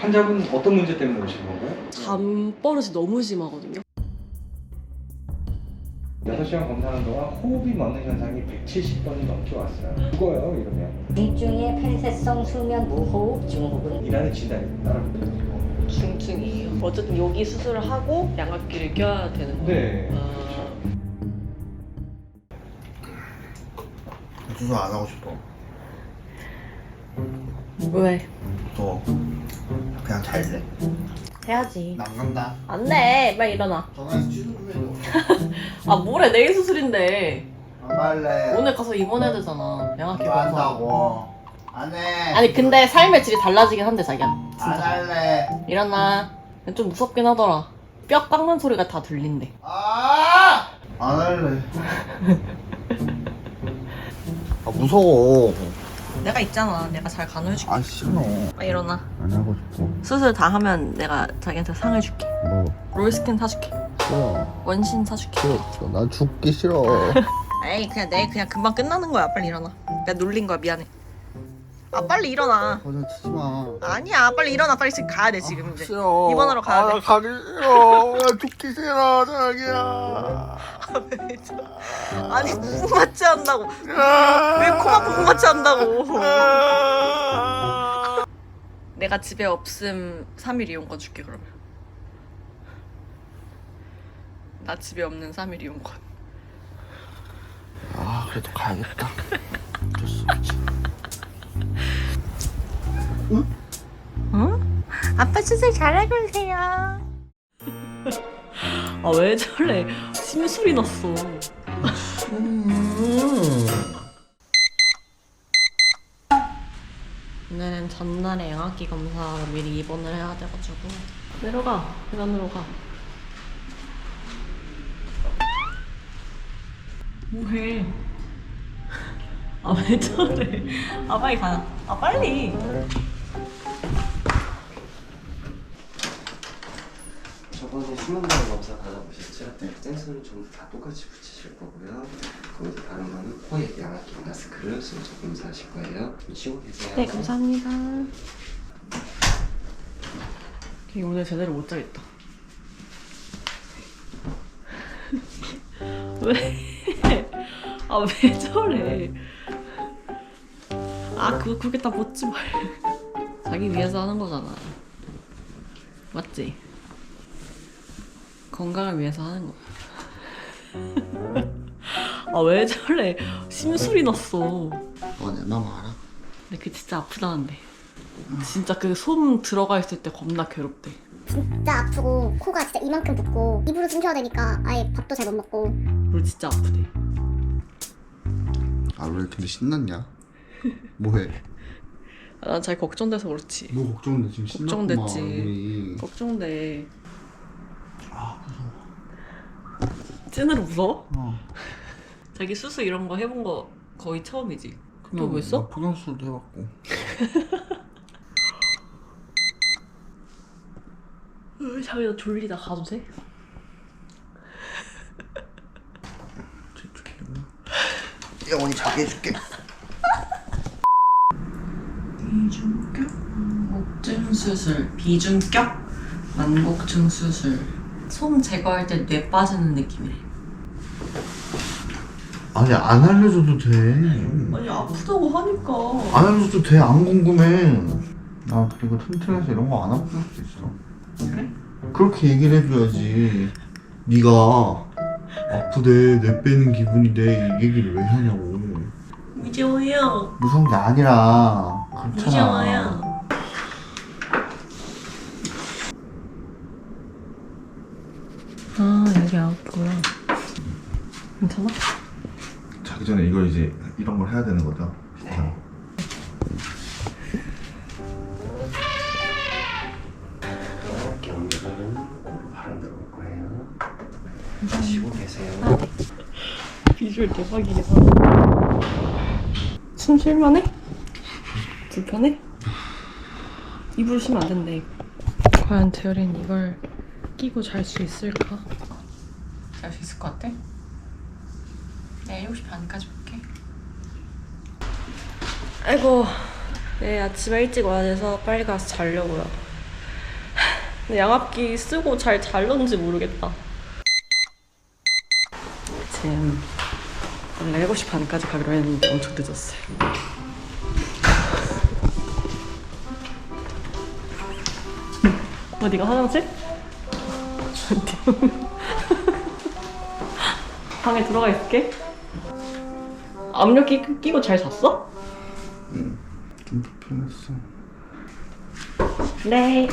환자분 어떤 문제 때문에 오신 건가요? 잠버릇이 너무 심하거든요. 6시간 검사하는 동안 호흡이 멎는 현상이 170번이 넘게 왔어요. 죽어요 이러면. 중증의 폐쇄성 수면 무호흡 증후군. 이라는 진단이 따라붙어요. 중증이에요. 어쨌든 여기 수술을 하고 양압기를 껴야 되는 거예요. 네. 수술 안 하고 싶어. 왜? 너 그냥 잘래. 해야지. 안 간다. 안 돼. 빨리 일어나. 전화해서 취소 좀 해줘. 아 뭐래, 내일 수술인데. 안 갈래. 오늘 가서 입원해야 되잖아. 양압기 안 검사. 한다고. 안 해. 아니 근데 삶의 질이 달라지긴 한데 자기야. 안 진짜. 할래. 일어나. 좀 무섭긴 하더라. 뼈 깎는 소리가 다 들린대. 안 할래. 아 무서워. 내가 있잖아. 내가 잘 간호해줄게. 아 싫어. 빨리 일어나. 안 하고 싶어. 수술 다 하면 내가 자기한테 상을 줄게. 뭐 롤스킨 사줄게. 싫어. 원신 사줄게. 싫어. 난 죽기 싫어. 에이 그냥 내일 그냥 금방 끝나는 거야. 빨리 일어나. 내가 놀린 거야. 미안해. 아 빨리 일어나. 거짓 치지 마. 아니야 빨리 일어나. 빨리 지금 가야 돼 지금 이제. 싫어. 입원하러 가야 돼. 나 가기 싫어. 나 죽기 싫어 자기야. 아니 부부마취 한다고. 왜 코만 부부마취 한다고. 내가 집에 없음 3일 이용권 줄게 그러면. 나 집에 없는 3일 이용권. 아 그래도 가야겠다. 응? 아빠 수술 잘하고 오세요. 아 왜 저래? 심술이 났어. 오늘은 전날에 양압기 검사로 미리 입원을 해야 돼가지고 내려가. 계단으로 가. 뭐해? 아 왜 저래? 아 빨리 가. 아 빨리. 저번에 수면발 검사 받아보셨죠? 네. 센서는 전부 다 똑같이 붙이실 거고요. 거기서 다른 거는 코에 양압기 마스크를 순서 검사하실 거예요. 좀 쉬고 계세요. 네 감사합니다. 걔 오늘 제대로 못 자겠다. 왜? 아 왜 저래? 아 그거 그렇게 다 벗지 말. 자기 위해서 하는 거잖아. 맞지? 건강을 위해서 하는 거. 아 왜 저래? 심술이 났어. 너 내 맘 알아? 근데 그게 진짜 아프다는데. 진짜 그 솜 들어가 있을 때 겁나 괴롭대. 진짜 아프고 코가 진짜 이만큼 붓고 입으로 숨 쉬어야 되니까 아예 밥도 잘 못 먹고. 그리고 진짜 아프대. 아 왜 근데 신났냐? 뭐해? 난 잘 걱정돼서 그렇지. 뭐 걱정돼 지금 신났구만. 걱정됐지. 우리. 걱정돼. 아 무서워. 찐으로 무서워? 어. 자기 수술 이런 거 해본 거 거의 처음이지? 그냥 뭐 있어? 나 복용수술도 해봤고. 자기 나 졸리다. 가도 돼? 영원히 자게 해줄게. 비중격 만곡증 수술. 비중격 만곡증 수술. 솜 제거할 때 뇌 빠지는 느낌이래. 아니 안 알려줘도 돼. 아니 아프다고 하니까. 안 알려줘도 돼. 안 궁금해. 나 그리고 튼튼해서 이런 거 안 하고 살 수도 있어. 그래? 그렇게 얘기를 해줘야지. 네가 아프대, 뇌 빼는 기분인데 이 얘기를 왜 하냐고. 무서워요. 무서운 게 아니라 그렇잖아. 무서워요. 아 여기 아프구나. 괜찮아? 자기 전에 이거 이제 이런 걸 해야 되는 거죠? 네. 이렇게 옮겨서는 코로 바람 들어올 거예요. 쉬고 계세요. 비주얼 대박이긴 하다. 숨 쉴만해? 불편해? 입으로 쉬면 안 된대. 과연 재열이는 이걸 끼고 잘 수 있을까? 잘 수 있을 것 같아? 내일 7시 반까지 볼게. 아이고, 내일 아침에 일찍 와야 돼서 빨리 가서 자려고요. 근데 양압기 쓰고 잘 잘렸는지 모르겠다. 지금 원래 7시 반까지 가기로 했는데 엄청 늦었어요. 어디가 화장실? 방에 들어가 있을게. 압력기 끼고 잘 잤어? 좀 불편했어. 네.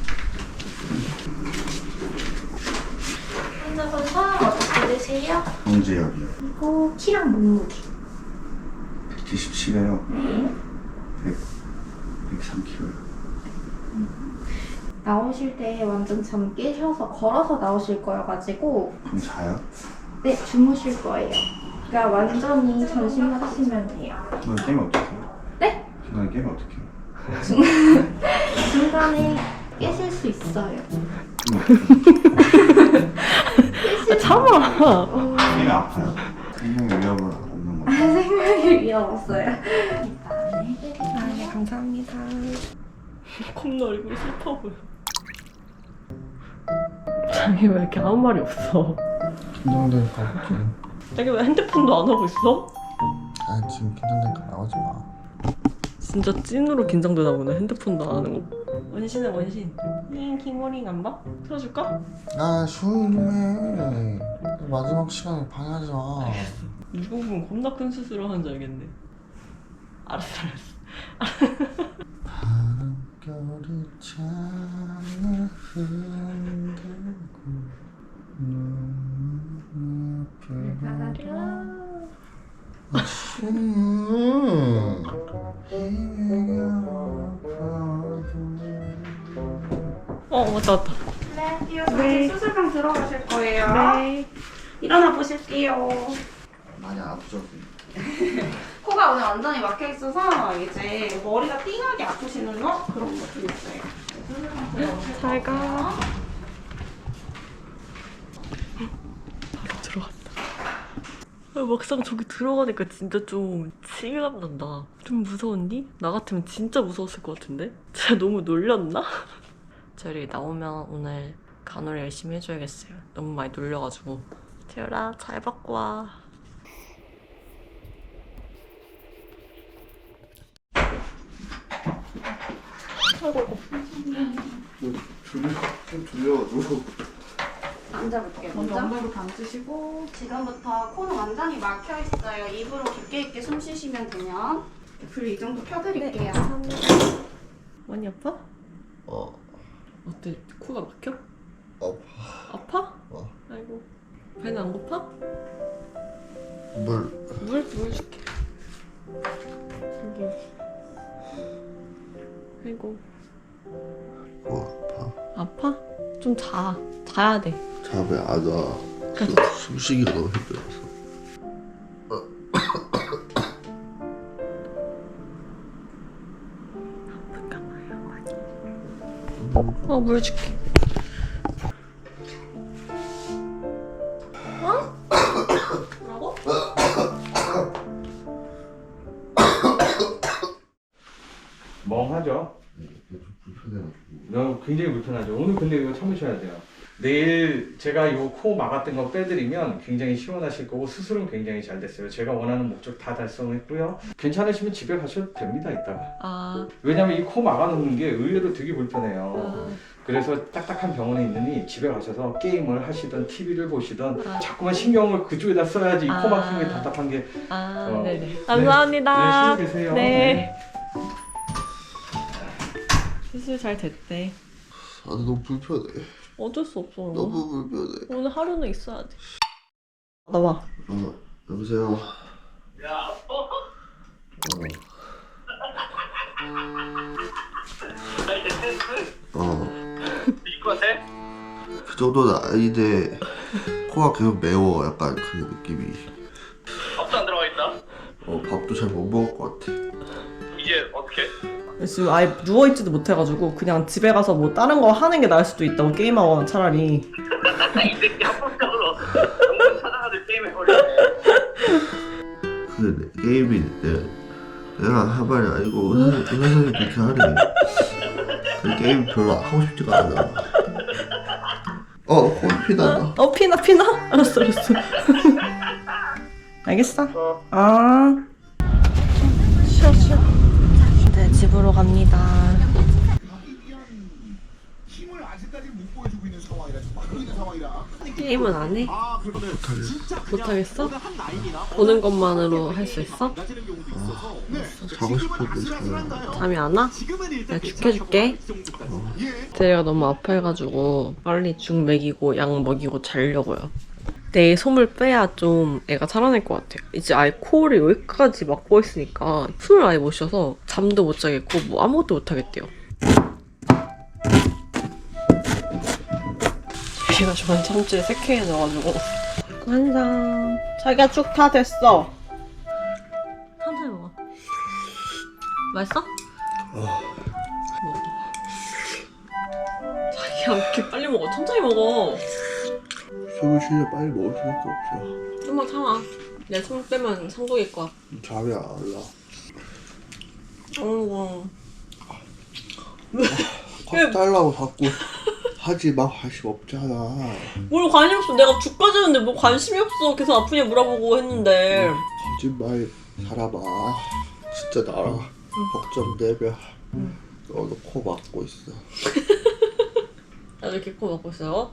환자분 성함 어떻게 되세요? 황재혁이요. 그리고 키랑 몸무게. 177이에요. 네. 103kg요. 나오실 때 완전 잠 깨셔서 걸어서 나오실 거여가지고 그럼 자요? 네 주무실 거예요. 그러니까 완전히 전신하시면 돼요. 중간에 깨면 어떡해요? 네? 중간에 깨면 어떡해요? 중간에 깨실 수 있어요. 참아. 깨면 아파요? 생명의 위협은 없는 거죠? 생명이 위험 없어요. 네, 감사합니다. 겁나 얼굴이 슬퍼 보여. 자기 왜 이렇게 아무 말이 없어? 긴장되니까 그렇지. 자기 왜 핸드폰도 안 하고 있어? 아 지금 긴장되니까 나오지 마. 진짜 찐으로 긴장되나 보네. 핸드폰도 안 하는 거. 원신은 원신. 킹모닝 안 봐? 틀어줄까? 아 조용히 좀 해. 마지막 시간에 방해하지 마. 이거 보면 겁나 큰 수술을 하는 줄 알겠네. 알았어. 바람결이 창을 흔들고 눈을 왔다. 네, 이어서 수술방 들어가실 거예요. 네. 일어나 보실게요. 많이 아프죠? 코가 오늘 완전히 막혀 있어서 이제 머리가 띵하게 아프시는 거 그런 거 좀 있어요. 수술방 들어가실 잘 가. 거예요. 바로 들어갔다. 막상 저기 들어가니까 진짜 좀 치밀감 난다. 좀 무서웠니? 나 같으면 진짜 무서웠을 것 같은데? 진짜 너무 놀렸나? 저리 나오면 오늘 간호를 열심히 해줘야겠어요. 너무 많이 놀려가지고. 재열아 잘 받고 와. 아이고. 좀 졸려가지고. 앉아볼게요. 먼저 엉덩이로 감으시고 지금부터 코는 완전히 막혀 있어요. 입으로 깊게 있게 숨 쉬시면 되면 불 이 정도 켜드릴게요. 많이 아파? 어 어때? 코가 막혀? 아파. 아파? 어. 아이고. 배는 안 고파? 물. 물 줄게. 여기. 아이고. 아파. 아파? 좀 자. 자야 돼. 잠에 안 와. 숨쉬기가 너무 힘들어서. 아플까 봐요, 많이. 물 줄게. 뭐라고? 멍하죠? 좀 불편해가지고. 너무 굉장히 불편하죠. 오늘 근데 이거 참으셔야 돼요. 내일 제가 이 코 막았던 거 빼드리면 굉장히 시원하실 거고 수술은 굉장히 잘 됐어요. 제가 원하는 목적 다 달성했고요. 괜찮으시면 집에 가셔도 됩니다, 이따가. 아. 왜냐면 이 코 막아놓는 게 의외로 되게 불편해요. 아. 그래서 딱딱한 병원에 있느니 집에 가셔서 게임을 하시던 TV를 보시던 아. 자꾸만 신경을 그쪽에다 써야지 이 코 막힌 게 답답한 게. 아, 어. 네네. 감사합니다. 네, 쉬고 계세요. 네. 수술 잘 됐대. 아 너무 불편해. 어쩔 수 없어. 너무 불편해. 오늘 하루는 있어야 돼. 나와. 여보세요. 야. 이거 같아? 그 정도는 아닌데 코가 계속 매워. 약간 그 느낌이. 밥도 안 들어가 있다. 밥도 잘 못 먹을 것 같아. 이제 어떻게? 지금 아예 누워있지도 못해가지고 그냥 집에 가서 뭐 다른 거 하는 게 나을 수도 있다고 게임하거나 차라리. 이 새끼 합법적으로 영상 찾아가지고 게임해 버려. 근데 게임이 내가 한 말이 아니고 의사선생님이 그렇게 하래. 그 게임 별로 하고 싶지가 않아. 코는 피난다. 피나? 알았어. 알겠어. 쉬어. 이제 집으로 갑니다. 게임은 안 해? 못하겠어? 보는 것만으로 할 수 있어? 자고 싶어도 자요. 잠이 안 와? 내가 죽 해줄게. 대리가 너무 아파해가지고 빨리 죽 먹이고 약 먹이고 자려고요. 내일 솜을 빼야 좀 애가 살아날 것 같아요. 이제 아예 코를 여기까지 막고 있으니까 숨을 아예 못 쉬어서 잠도 못 자겠고 뭐 아무것도 못 하겠대요. 얘가 저번 참치에 새케해져가지고 완성. 자기가 죽 다 됐어. 천천히 먹어. 맛있어? 자기야 왜 이렇게 빨리 먹어? 천천히 먹어. 숨을 쉬려 빨리 먹을 수밖에 없어. 좀만 참아. 내 손 빼면 상독일 거야. 잠이 안 올라. 어이구. 컵 달라고 자꾸 하지 마. 관심 없잖아. 뭘 관심 없어. 내가 죽 가지는데 뭐 관심이 없어. 계속 아프냐 물어보고 했는데. 거짓말 사람아. 진짜 나랑 걱정되면 너도 코 막고 있어. 나도 이렇게 코 막고 있어요.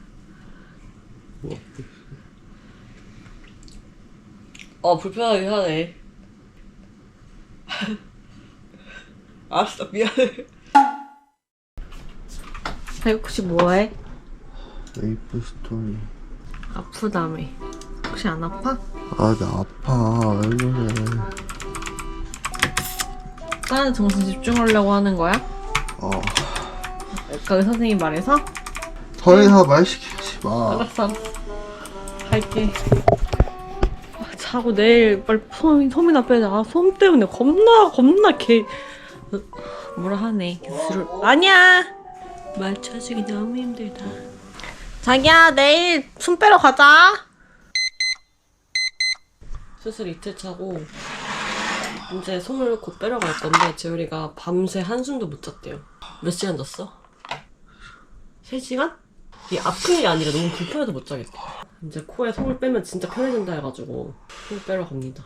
불편하게 하네. 알았어, 미안해. 자기 혹시 뭐해? 메이플 스토리. 아프다며. 혹시 안 아파? 아, 나 아파. 왜 그래. 다른 정신 집중하려고 하는 거야? 아까 의사 선생님 말해서? 더 이상 말 시키지 마. 알았어. 갈게. 자고 내일 빨리 솜이나 빼자. 솜 때문에 겁나 뭐라 하네. 기술을. 아니야. 맞춰주기 너무 힘들다. 자기야 내일 솜 빼러 가자. 수술 이틀 차고 이제 솜을 곧 빼러 갈 건데 재율이가 밤새 한숨도 못 잤대요. 몇 시간 잤어? 3시간? 이게 아픈 게 아니라 너무 불편해서 못 자겠대. 이제 코에 솜을 빼면 진짜 편해진다 해가지고 솜 빼러 갑니다.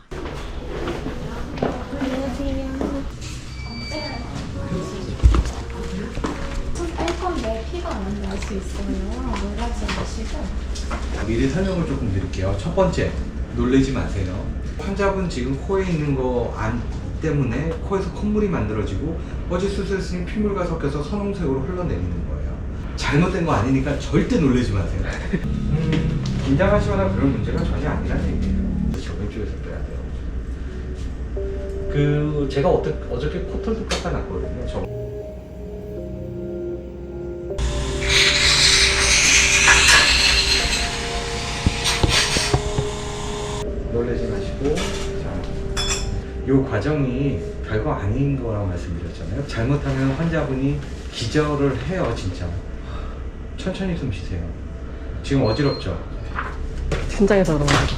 미리 설명을 조금 드릴게요. 첫 번째, 놀라지 마세요. 환자분 지금 코에 있는 거 안 때문에 코에서 콧물이 만들어지고 어제 수술했으니 피물과 섞여서 선홍색으로 흘러내리는 거예요. 잘못된 거 아니니까 절대 놀라지 마세요. 긴장하시거나 그런 문제가 전혀 아니라는 얘기예요. 저 왼쪽에서 빼야 돼요. 제가 어저께 코털도 깎아놨거든요. 놀라지 마시고, 자, 이 과정이 별거 아닌 거라고 말씀드렸잖아요. 잘못하면 환자분이 기절을 해요, 진짜. 천천히 숨 쉬세요. 지금 어지럽죠? 긴장해서 그런 거야.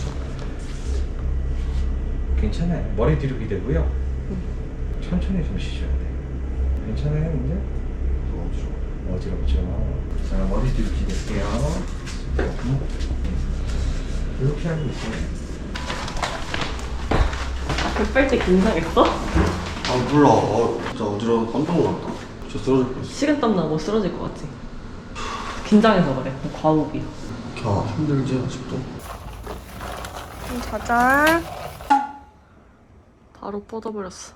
괜찮아요. 머리 뒤로 기대고요. 천천히 숨 쉬셔야 돼요. 괜찮아요, 이제? 어지럽죠? 자, 머리 뒤로 기댈게요. 이렇게 하고 있어요. 뺄 때 긴장했어? 아, 몰라. 진짜 어지러워. 깜짝 놀랐다. 진짜 쓰러질 뻔했어. 식은땀 나고 쓰러질 것 같지? 긴장해서 그래. 과호흡이. 힘들지, 아직도. 자자. 바로 뻗어버렸어.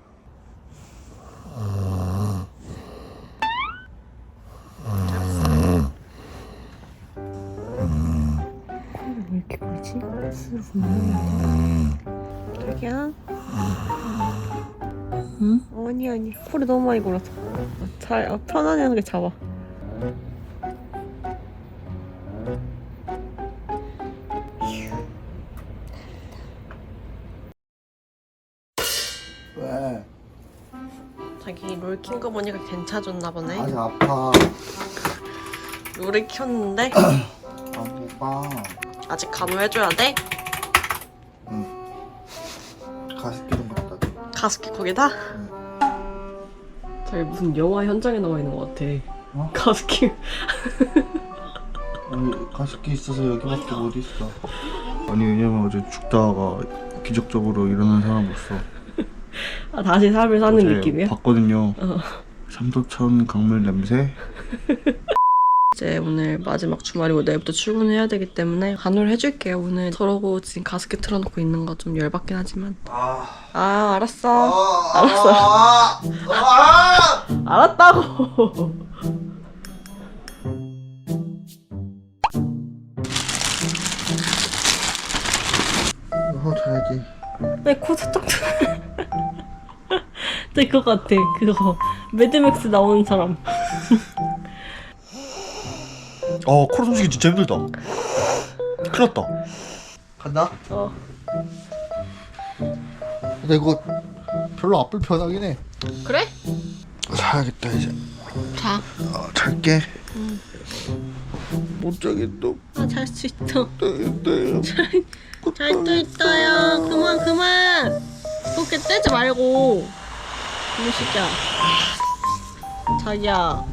왜 이렇게 그러지? 자기야? 응? 아니 코를 너무 많이 골아서 잘 편안하게 잡아. 왜? 자기 롤 킨 거 보니까 괜찮아졌나 보네. 아직 아파. 롤을 켰는데 안 봐. 아직 간호해줘야 돼? 가습기 좀 갖다 줘. 가습기 거기다? 자기 무슨 영화 현장에 나와 있는 것 같아. 어? 가습기 가습기 있어서 여기밖에 못 있어. 아니 왜냐면 어제 죽다가 기적적으로 일어난 사람으로서 아, 다시 삶을 사는 어제 느낌이야? 봤거든요. 삼도천 강물 냄새. 이제 오늘 마지막 주말이고 내일부터 출근해야 되기 때문에 간호를 해줄게요. 오늘 저러고 지금 가습기 틀어놓고 있는 거 좀 열받긴 하지만. 알았어. 알았다고. 자야지. 왜 코 살짝 될것 같아. 그거 매드맥스 나오는 사람. 코로 숨쉬기 진짜 힘들다. 큰일 났다. 간다? 근데 이거 별로 안 불편하긴 해. 그래? 자야겠다 이제. 자. 잘게. 못 자겠다. 잘 수 있어. 네. 잘 수 있어요. 그만. 그렇게 떼지 말고. 이거 진짜. 자기야.